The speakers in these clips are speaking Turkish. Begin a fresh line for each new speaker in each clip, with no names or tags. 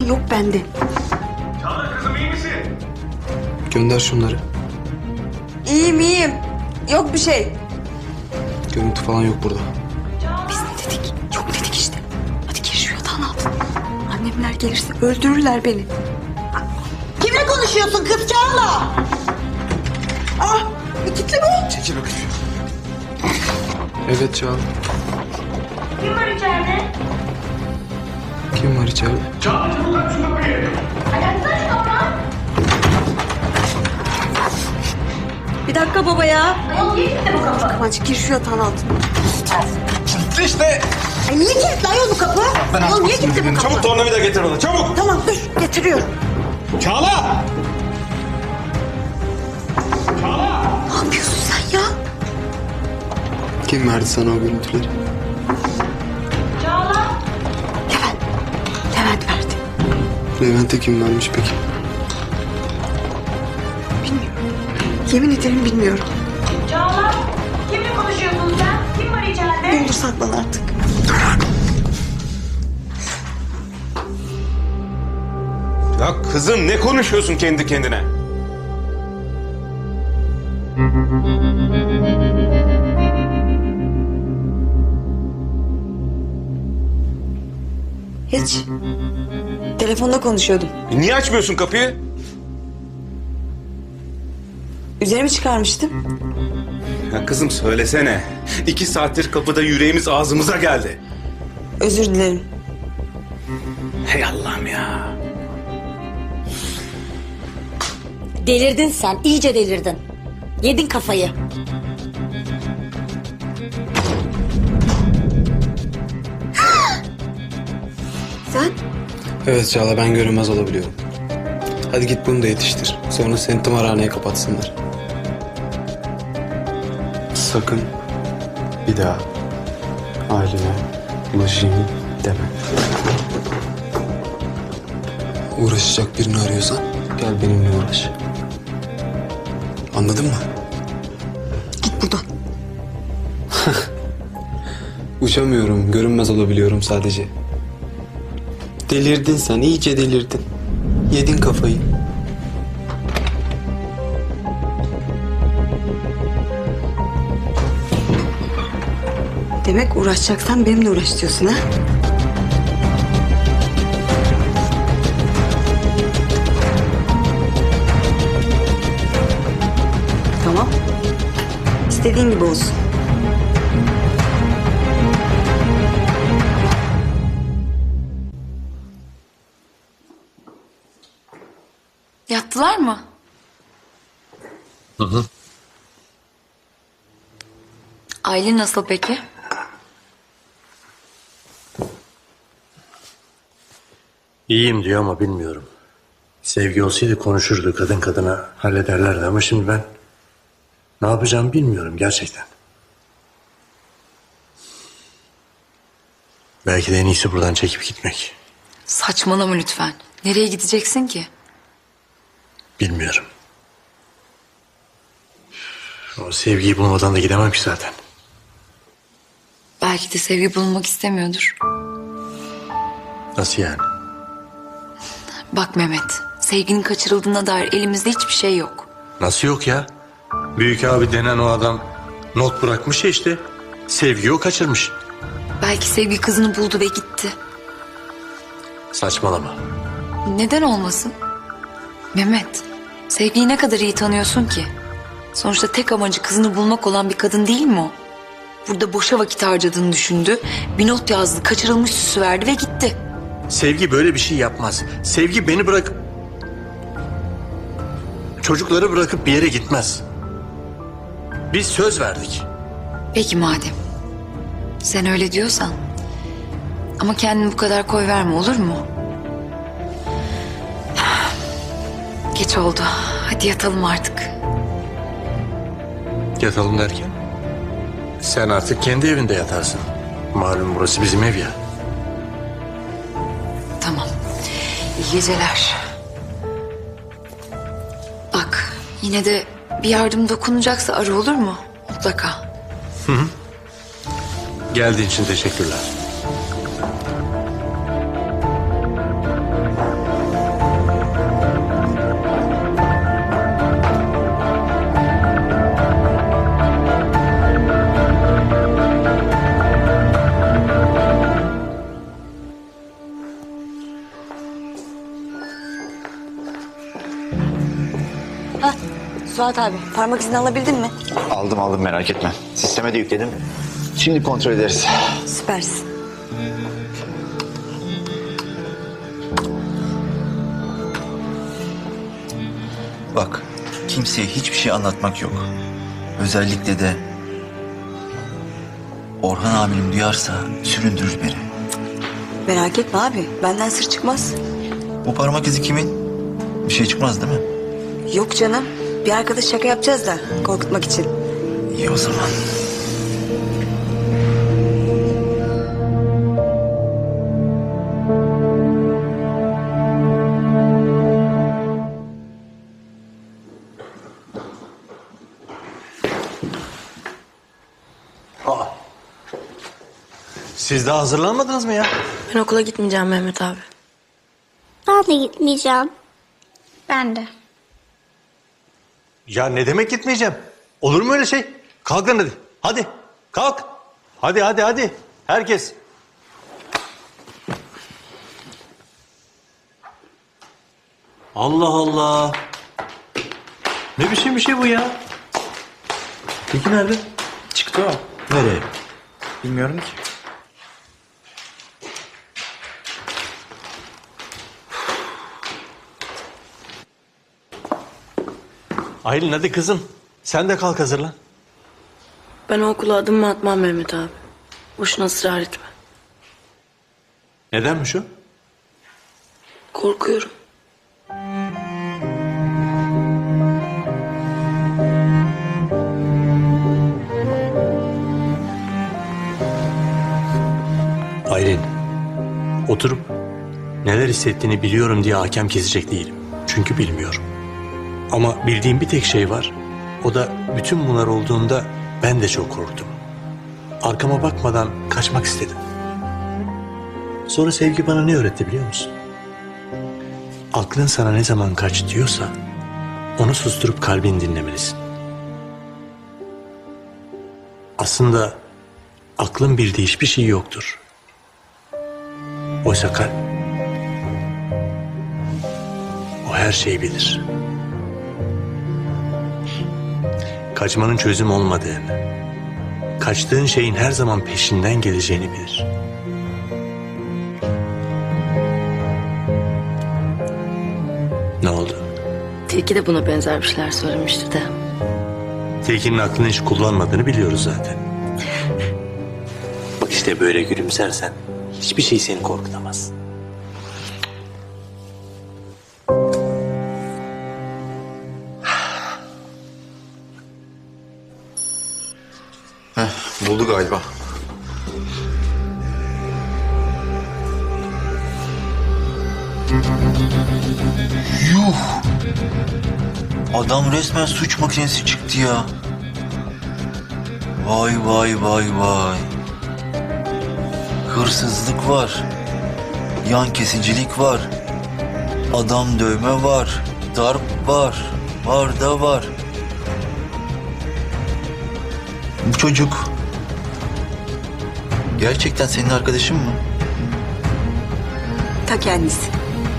Yok bende.
Çağla kızım iyi misin?
Gönder şunları.
İyiyim. Yok bir şey.
Görüntü falan yok burada.
Biz ne dedik? Yok dedik işte. Hadi gir şu yatağın altına. Annemler gelirse öldürürler beni.
Kimle konuşuyorsun kız Çağla? Ah, kilitli mi?
Çekil bakayım. Evet Çağla.
Kim var içeride?
Kim var içeride?
Çağla çabuk aç şu kapıyı.
Ayakta şu ama.
Bir dakika baba ya.
Ayol niye gitti bu kapı?
Kıvanç gir şu yatağın altına.
Kilitli işte.
Ay niye kilitli ayol bu kapı? Ayol niye kilitli bu kapı?
Çabuk tornavida getir bana çabuk.
Tamam dur getiriyorum.
Çağla.
Ne yapıyorsun sen ya?
Kim verdi sana o görüntüleri?
Çağla.
Levent verdi.
Levent'e kim vermiş peki?
Bilmiyorum. Yemin ederim bilmiyorum.
Çağla. Kimle konuşuyorsun sen? Kim var içeride?
Ne olur saklan artık.
Ya kızım ne konuşuyorsun kendi kendine?
Hiç. Telefonda konuşuyordum.
Niye açmıyorsun kapıyı?
Üzerimi çıkarmıştım.
Ya kızım söylesene. 2 saattir kapıda yüreğimiz ağzımıza geldi.
Özür dilerim.
Hey Allah'ım ya.
Delirdin sen, iyice delirdin. Yedin kafayı.
Sen?
Evet Çağla, ben görünmez olabiliyorum. Hadi git bunu da yetiştir. Sonra seni tımarhaneye kapatsınlar. Sakın bir daha ailene ulaşayım deme. Uğraşacak birini arıyorsan gel benimle uğraş. Anladın mı?
Git buradan.
Uçamıyorum, görünmez olabiliyorum sadece. Delirdin sen, iyice delirdin. Yedin kafayı.
Demek uğraşacaksan benimle uğraş diyorsun ha? Tamam. İstediğin gibi olsun.
Yattılar mı? Aylin nasıl peki?
İyiyim diyor ama bilmiyorum. Sevgi olsaydı konuşurdu, kadın kadına hallederlerdi ama şimdi ben ne yapacağımı bilmiyorum gerçekten. Belki de en iyisi buradan çekip gitmek.
Saçmalama lütfen. Nereye gideceksin ki?
Bilmiyorum. O sevgiyi bulmadan da gidemem ki zaten.
Belki de sevgi bulunmak istemiyordur.
Nasıl yani?
Bak Mehmet, sevginin kaçırıldığına dair elimizde hiçbir şey yok.
Nasıl yok ya? Büyük abi denen o adam not bırakmış ya işte. Sevgiyi o kaçırmış.
Belki sevgi kızını buldu ve gitti.
Saçmalama.
Neden olmasın? Mehmet, sevgiyi ne kadar iyi tanıyorsun ki? Sonuçta tek amacı kızını bulmak olan bir kadın değil mi o? Burada boşa vakit harcadığını düşündü, bir not yazdı, kaçırılmış süsü verdi ve gitti.
Sevgi böyle bir şey yapmaz. Sevgi beni bırakıp... çocukları bırakıp bir yere gitmez. Biz söz verdik.
Peki madem. Sen öyle diyorsan. Ama kendini bu kadar koy verme, olur mu? Geç oldu. Hadi yatalım artık.
Yatalım derken? Sen artık kendi evinde yatarsın. Malum burası bizim ev ya.
Tamam. İyi geceler. Bak, yine de bir yardım dokunacaksa ara, olur mu? Mutlaka.
Geldiğin için teşekkürler.
Suat abi parmak izini alabildin mi?
Aldım merak etme. Sisteme de yükledim. Şimdi kontrol ederiz.
Süpersin.
Bak, kimseye hiçbir şey anlatmak yok. Özellikle de Orhan amirim duyarsa süründürür beni.
Merak etme abi benden sır çıkmaz.
Bu parmak izi kimin? Bir şey çıkmaz değil mi?
Yok canım bir arkadaş şaka yapacağız da korkutmak için.
İyi o zaman.
Siz daha hazırlanmadınız mı ya?
Ben okula gitmeyeceğim Mehmet abi.
Ben de gitmeyeceğim. Ben de.
Ya ne demek gitmeyeceğim? Olur mu öyle şey? Kalkın hadi. Hadi kalk. Hadi. Herkes. Allah Allah. Ne biçim bir şey bu ya? Peki nerede?
Çıktı o.
Nereye?
Bilmiyorum ki.
Aylin hadi kızım. Sen de kalk hazırlan.
Ben o okula adım mı atmam Mehmet abi. Boşuna ısrar etme.
Nedenmiş o?
Korkuyorum.
Aylin. Oturup neler hissettiğini biliyorum diye hakem kesecek değilim. Çünkü bilmiyorum. Ama bildiğim bir tek şey var. O da bütün bunlar olduğunda ben de çok korktum. Arkama bakmadan kaçmak istedim. Sonra sevgi bana ne öğretti biliyor musun? Aklın sana ne zaman kaç diyorsa onu susturup kalbini dinlemelisin. Aslında aklın bildiği hiçbir şey yoktur. Oysa kalp o her şeyi bilir. Kaçmanın çözüm olmadığını, kaçtığın şeyin her zaman peşinden geleceğini bilir. Ne oldu?
Tilki de buna benzer bir şeyler söylemişti de.
Tilkinin aklını hiç kullanmadığını biliyoruz zaten. Bak işte böyle gülümsersen hiçbir şey seni korkutamaz.
Buldu galiba. Yuh! Adam resmen suç makinesi çıktı ya. Vay. Hırsızlık var. Yan kesicilik var. Adam dövme var. Darp var. Var da var. Bu çocuk gerçekten senin arkadaşın mı?
Ta kendisi.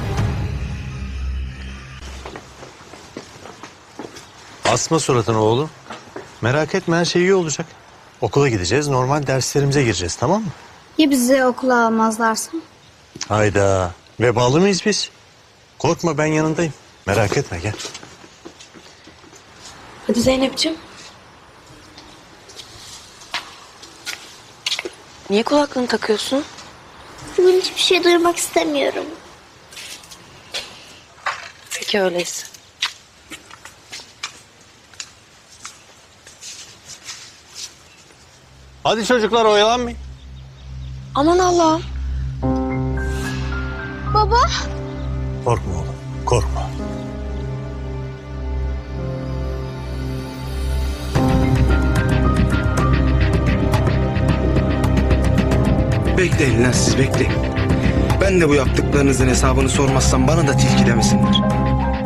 Asma suratını oğlum. Merak etme her şey iyi olacak. Okula gideceğiz, normal derslerimize gireceğiz, tamam mı?
Ya bizi okula almazlarsa?
Hayda. Vebalı mıyız biz? Korkma ben yanındayım. Merak etme gel.
Hadi Zeynep'ciğim. Niye kulaklığını takıyorsun?
Bugün hiçbir şey duymak istemiyorum.
Peki öyleyse.
Hadi çocuklar oyalanmayın.
Aman Allah'ım.
Baba.
Korkma oğlum, korkma.
Bekleyin lan siz bekleyin. Ben de bu yaptıklarınızın hesabını sormazsam bana da tilki demesinler.